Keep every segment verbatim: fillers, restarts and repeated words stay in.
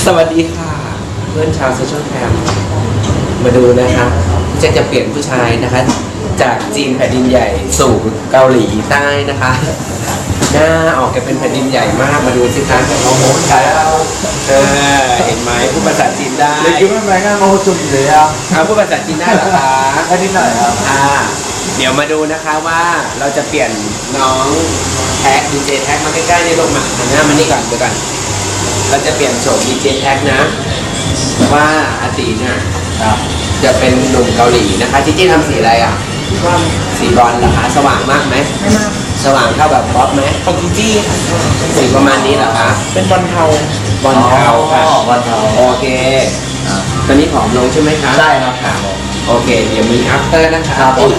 สวัสดีค่ะเพื่อนชาวโซเชียลแคมมาดูนะคะพี่แจ็คจะเปลี่ยนผู้ชายนะคะจากจีนแผ่นดินใหญ่สู่เกาหลีใต้นะคะหน้าออกจะเป็นแผ่นดินใหญ่มากมาดูสิคะโอ้โหแล้วเออเห็นไหมพูดภาษาจีนได้เลยคิดว่าแม่งานโอ้จุดเลยอ่ะเอาพูดภาษาจีนได้เหรอคะแค่นิดหน่อยครับอ่าเดี๋ยวมาดูนะคะว่าเราจะเปลี่ยนน้องแท็กดีเจแท็กมาใกล้ๆนี่ลงมาหันหน้ามานี่ก่อนเดี๋ยวก่อนเราจะเปลี่ยนโฉมดีเจแท็กนะว่าอาตีเนี่ยจะเป็นหนุ่มเกาหลีนะคะจีจี้ทำสีอะไรอ่ะว่าสีบอลเหรอคะสว่างมากไหมไม่มากสว่างเท่าแบบบ๊อบไหมของจีจี้สีประมาณนี้เหรอคะเป็นบอลเทาบอลเทาค่ะบอลเทาโอเคตอนนี้ผอมลงใช่ไหมคะใช่ครับค่ะโอเคเดี๋ยวมี after นะคะ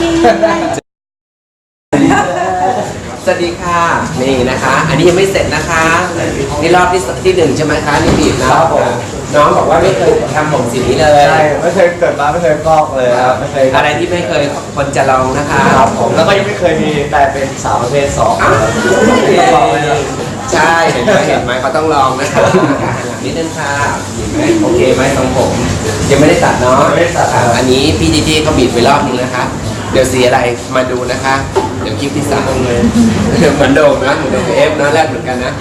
สวัสดีค่ะนี่นะคะอันนี้ยังไม่เสร็จนะคะนี่รอบที่ที่หนึ่งใช่ไหมคะนี่บีบนะครับผมน้องบอกว่าไม่เคยทำผมสีนี้เลยใช่ไม่เคยเกิดมาไม่เคยฟอกเลยครับไม่เคยอะไรที่ไม่เคยคนจะลองนะคะครับผมแล้วก็ยังไม่เคยมีแต่เป็นสาวประเภทสองใช่เห็นไหมเห็นไหมเขาต้องลองนะคะนิดนึงค่ะเห็นไหมโอเคไหมทรงผมยังไม่ได้ตัดเนาะไม่ได้ตัดอันนี้พี่จีจี้เขาบีบไปรอบนึงนะคะเดี๋ยวสีอะไรมาดูนะคะเดี๋ยวคลิปที่สามเลยเหมือนโดมนะเหมือนโดมเอฟนะแรกเหมือนกันนะ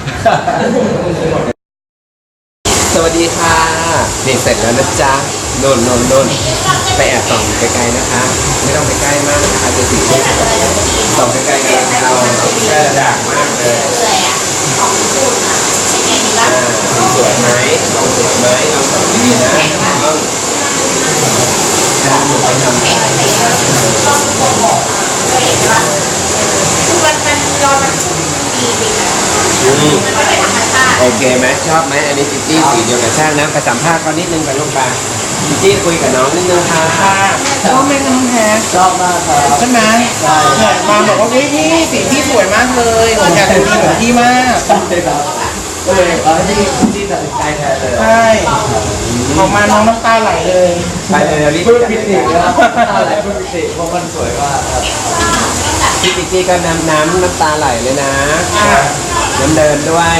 สวัสดีค่ะนี่เสร็จแล้วนะจ๊ะโน่นโน่นโน่นไปแอบส่องไกลๆนะคะไม่ต้องไปใกล้มากนะคะจะสีส่องไกลๆกันเราแค่ด่างมากเลยสวยไหมลองสวยไหมลองทำดีนะลองการหนูไปทำโอเคไหมชอบไหมอันนี้จิจี้สีเดียวกับช่างนะไปสัมภาษณ์เขานิดนึงไปลงไปจิจี้คุยกับน้องนิดนึงค่ะชอบไหมน้องแท้ชอบมากครับใช่ไหมเนี่ยมาบอกว่าพี่พี่สีพี่สวยมากเลยผมอยากจะมีเหมือนพี่มากใช่ครับก็เลยเอาที่ที่ตัดสินใจแทนเลยใช่ออกมาน้องน้ำตาไหลเลยไปเลยรีบพูดผิดอีกแล้วอะไรพูดผิดอีกเพราะมันสวยมากครับพี่จิจี้ก็น้ำน้ำน้ำตาไหลเลยนะน้ำเดินด้วย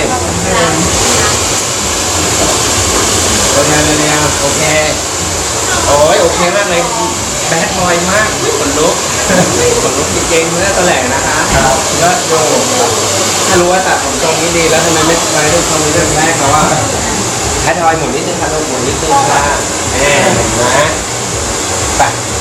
โอเคเลยเนี่ยโอเคโอ้ยโอเคมากเลยแบดบอยมากขนลุกขนลุกจริงๆเนื้อตัวแหลกนะคะก็โยถ้ารู้ว่าตัดผมตรงนี้ดีแล้วทำไมไม่ไปด้วยตรงนี้เรื่องแรกเขาว่าแบดบอยหมุนนิดนึงค่ะลงหมุนนิดนึงค่ะแหมเห็นไหมไป